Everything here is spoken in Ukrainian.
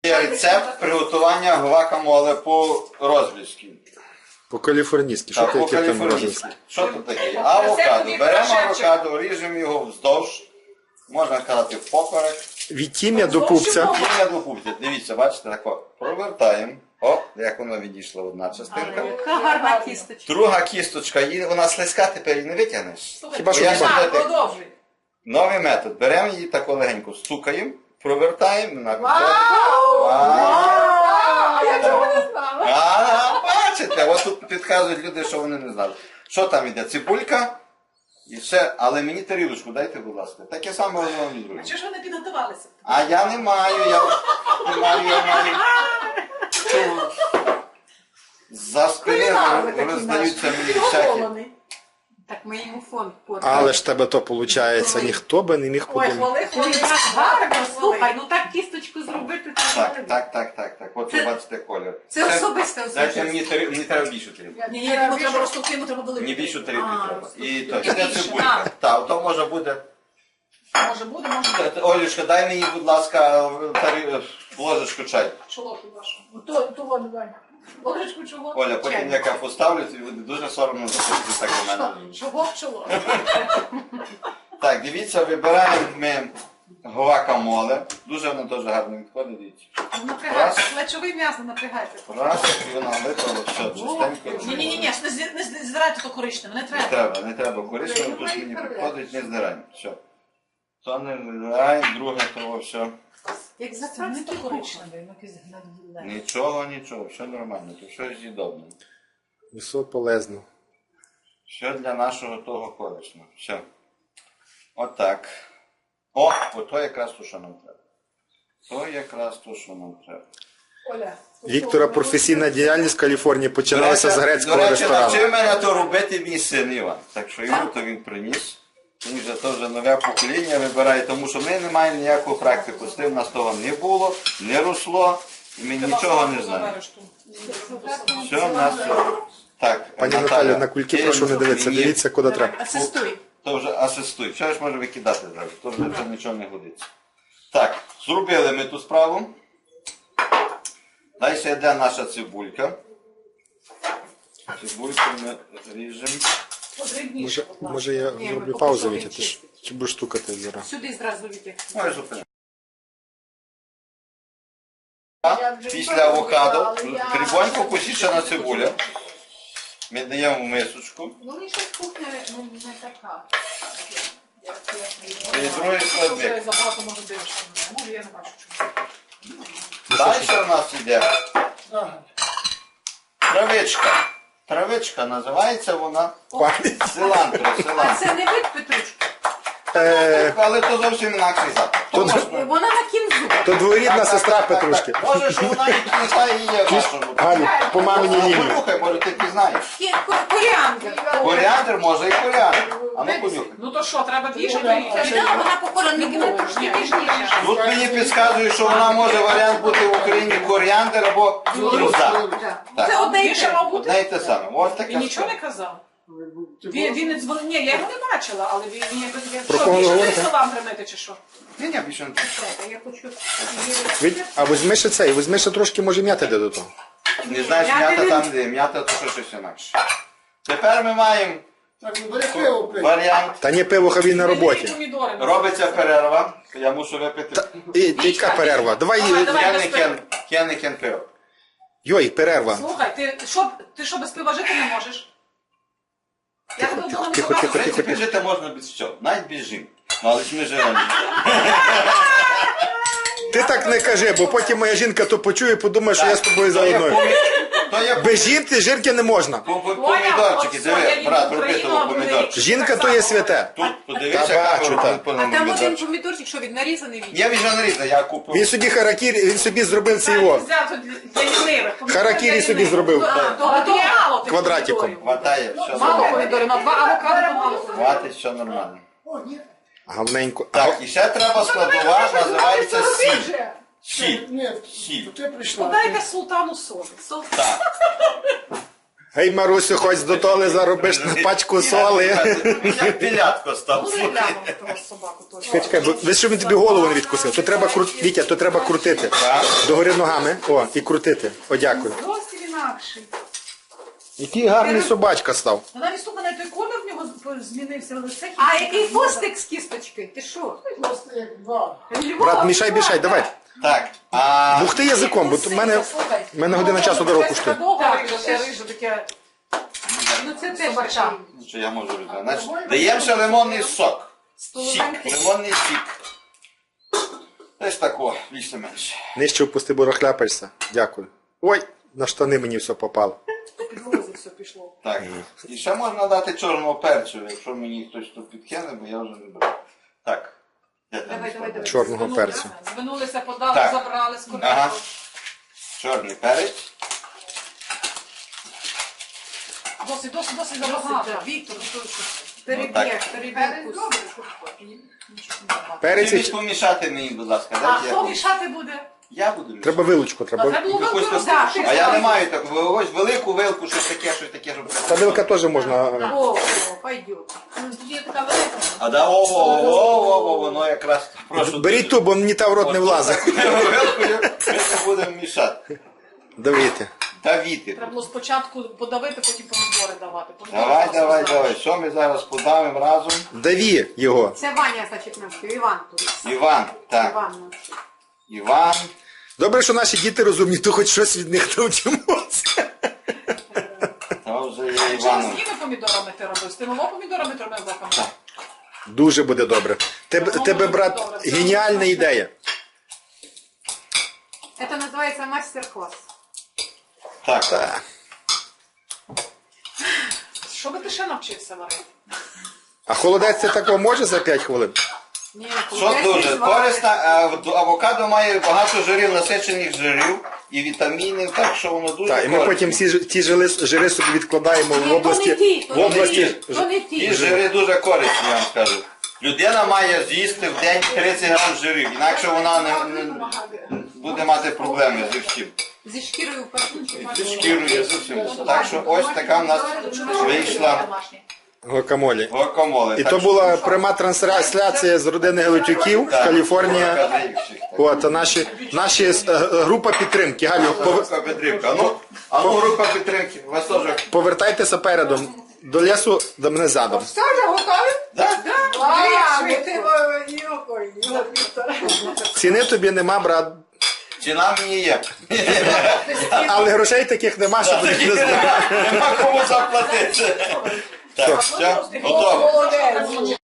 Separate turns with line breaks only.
Є рецепт приготування гвакамоле по-розбільськи.
По-каліфорнійськи. Що таке там
По-каліфорнійськи.
розбільськи?
Що тут таке? Авокадо. Беремо авокадо, ріжемо його вздовж, можна сказати впоперек.
Від тім'я до пупця.
Тім'я до пупця. Дивіться, бачите, тако. Провертаємо. О, як воно відійшла одна частинка.
Яка гарна кісточка.
Друга кісточка, вона слизька, тепер її не витягнеш.
Хіба що
Я
хіба?
ще
Продовжуй.
Новий метод. Беремо її тако легенько стукаємо, провертаємо на
Я цього не знала.
бачите, от тут підказують люди, що вони не знали. Що там іде? Цибулька і все, але мені тарілочку дайте, будь ласка. Таке саме воно вам друге.
Чого ж ви не підготувалися?
А я не маю, я маю. За спини роздаються мені всякі.
Так ми йому фонд портили.
Але ж тебе то виходить, ніхто би не міг
Ой,
подумати.
хвали, гарно, слухай, ну так кісточку зробити.
Так. От ви бачите колір.
Це особисте.
Дайте мені треба більшу тарілку.
Ні, йому треба розтовки, йому треба
Мені
долити.
більшу тарілку треба. І то,
І
іде
більше,
цибулька. Так, то може буде.
Може буде, може буде.
Олюшка, дай мені, будь ласка, ложечку чай.
Чоловік вашу. Того давай. Ложечку чого?
Оля, потім як я поставлю, тобі буде дуже соромно заходити так до мене.
Чого в чоло?
Так, дивіться, вибираємо ми гвакамоле. Дуже воно дуже гарно відходить, дивіться.
Напрягайте, плечове м'ясо напрягайте.
Раз, і воно випало, все, чистенько.
Ні, не здирайте то коричневе, не треба.
Не треба коричневе, тут мені підходить, не здираємо. Все. То не здираємо, друге того, все.
Як за не то коричневе.
Нічого, все нормально, то все з'їдобне.
Все полезно.
Все для нашого того корисного. Все. Отак. Ото якраз то, що нам треба. То якраз то, що нам треба.
Оля.
Віктора професійна діяльність в Каліфорнії починається з грецького
До речі,
ресторану.
навчив мене то робити мій син Іван. Так що йому то він приніс. Він вже то вже нове покоління вибирає, тому що ми не маємо ніякого практику. З тим нас того не було, не росло, і ми нічого не знаємо. Все, в нас все. Так,
Пані Наталю, на кульки прошу не дивитися, дивіться, куди треба.
Асистуй.
То вже асистуй. Що ж може викидати зараз? То вже нічого не годиться. Так, зробили ми ту справу. Далі йде наша цибулька. Цибульку ми ріжемо.
Може я зроблю паузу, Вітя, ти ж чи будеш стукати зараз?
Сюди зразу Вітя.
Ой, зупини. Після авокадо дрібонько посічена цибуля. Ми даємо в мисочку.
Ну, мені щось кухня не така.
І другий складник.
Забагато може дивишся. Може, я не бачу чому.
Далі у нас йде травичка. Травичка називається вона силантро.
А це не вид петрушки?
Але то зовсім інакший запах.
Вона на кінзу.
То двоюрідна сестра Петрушки.
Може, що вона і не знає її в нашому.
Галю, по маминій лінії.
Понюхай, може ти пізнаєш.
Коріандр.
Коріандр, може і коріандр. А ну понюхай.
Ну то що, треба більше? Вона похожа на трошки ніжніше.
Тут мені підказують, що вона може варіант бути в Україні коріандр або кінза.
Це одне і те.
Одне і те саме. Ось таке.
Він нічого не казав. Він не дзвонив. Ні, я його не бачила, але він якось...
Про
Що,
кого
більше
говорите?
словам тримати чи що?
Ні, більше не треба.
Я хочу...
А візьми ще цей, візьми ще трошки, може, м'яти де до того.
Не знаєш, м'ята там де, м'ята то щось інакше. Тепер ми маємо варіант.
Та ні, пиво хай він на роботі.
Помідори.
Робиться перерва. Я мушу випити.
І яка перерва? Давай,
Я не кен пиво.
йой, перерва.
Слухай, ти що без пива жити не можеш?
Тихо.
В принципі, жити можна без всього. Навіть без жінки. Ну, але ж ми живемо.
Ти так не кажи, бо потім моя жінка то почує і подумає, що я з тобою заодно. Без жінки жінки не можна.
Помідорчики, диви, брат, роби того помідорчики.
Жінка то є святе.
Тут подивися,
Та
яка
бачу,
робить
так.
помідорчики.
помідорчик, що він нарізаний він?
Я вже нарізав, я купив.
Він собі харакірі, він собі зробив цей його.
Взяв тут для лінивих.
Харакірі собі зробив.
Мало тих
Квадратиком.
помідорів.
Хватає, все
Мало
нормально.
помідорів, на 2 авокадо мало.
Хватить, все нормально.
Гавненько.
Так, і ще треба складова, називається сіль. Сіль.
Ні,
Сіль.
ти прийшла.
Подайте султану солі.
Так.
Гей, Марусю, хоч до толи заробиш на пачку соли.
Як білятко став.
Ну, не глянув того собаку точно.
Чекай, чекай, бо ви що він тобі голову не відкусив? То треба Вітя, то треба крутити. Догори ногами. О, і крутити. О, дякую.
Зовсім інакший.
Який гарний собачка став.
Ну, навіть слухай, на той колір в нього змінився лице.
А який хвостик з кісточки? Ти що?
Брат, мішай, давай.
Так,
Бухти язиком, бо в мене година часу дорогу коштує.
Так, риже таке.
Ну це теж собача.
що я можу робити? Значить, даємо ще лимонний сок. Сік, лимонний сік. Десь тако, більше-менше.
Нижче впусти, бо розхляпаєшся. Дякую. Ой, на штани мені все попало.
Підлозі все пішло.
Так. І ще можна дати чорного перцю, якщо мені хтось тут підкине, бо я вже не беру. Так. Де там
Давай,
складати?
давай.
Чорного перцю.
Звинулися, подали,
Так.
забрали, скорили.
Ага. Чорний перець.
Досить забагато. Віктор,
Переб'єш,
Так.
переб'єш.
Перець.
Чимось помішати мені, будь ласка.
А
Дайте
хто
я.
мішати буде?
Я буду мішати.
Треба вилочку,
Треба
треба.
було
Якусь
вилку
таку-
роздати.
А я не маю такого. Ось велику вилку, щось таке, щоб...
Та вилка теж можна.
О, пойдет.
Тут є така велика.
А да, о, воно якраз прошу.
Беріть ту, бо мені та в рот не влазить.
Такою вилкою ми не будемо мішати.
Давайте.
Давіти.
Треба було спочатку подавити, потім помідори давати. Помідори
Давай,
просто
давай,
знаєш.
давай. Що ми зараз подавимо разом?
Даві його.
Це Ваня, значить, навчив. Іван тут.
Іван, так.
Іван навчив.
Іван.
Добре, що наші діти розумні, то хоч щось від них навчимося.
То вже є
Чи з
Іваном.
якими помідорами ти робив? З тими помідорами ти робив лаками?
Дуже буде добре. Тебе, брат, геніальна ідея.
Це називається мастер-клас.
Так.
Та.
Що би ти ще навчився варити?
А холодець це такого може за 5 хвилин?
Ні,
Що
кудись
дуже
не звариш.
корисно, авокадо має багато жирів, насичених жирів і вітамінів, так що воно дуже
Так, і ми потім всі ті жири собі відкладаємо в
Ні,
області.
то не ті,
В області.
то не
Ті
ті.
жири дуже корисні, я вам скажу. Людина має з'їсти в день 30 грам жирів, інакше вона не буде мати проблеми з усім.
Зі шкірою в першу чергу.
Зі шкірою, з усім. Так що ось така в нас вийшла
Гуакамолі.
гуакамоле.
І
Так
то
що-
була пряма трансляція з родини Гелетюків,
Так,
Каліфорнія.
Кадрівщик, так.
От, а наші група підтримки. Галю,
Група підтримки. А ну, група підтримки. Вас теж.
повертайтеся передом. До лісу, до мене задом.
Все вже готові?
Да?
Ціни тобі нема, брат.
Ціна мені є.
Але грошей таких нема, щоб їх не знати.
Нема кому заплатити. Так, все, готово.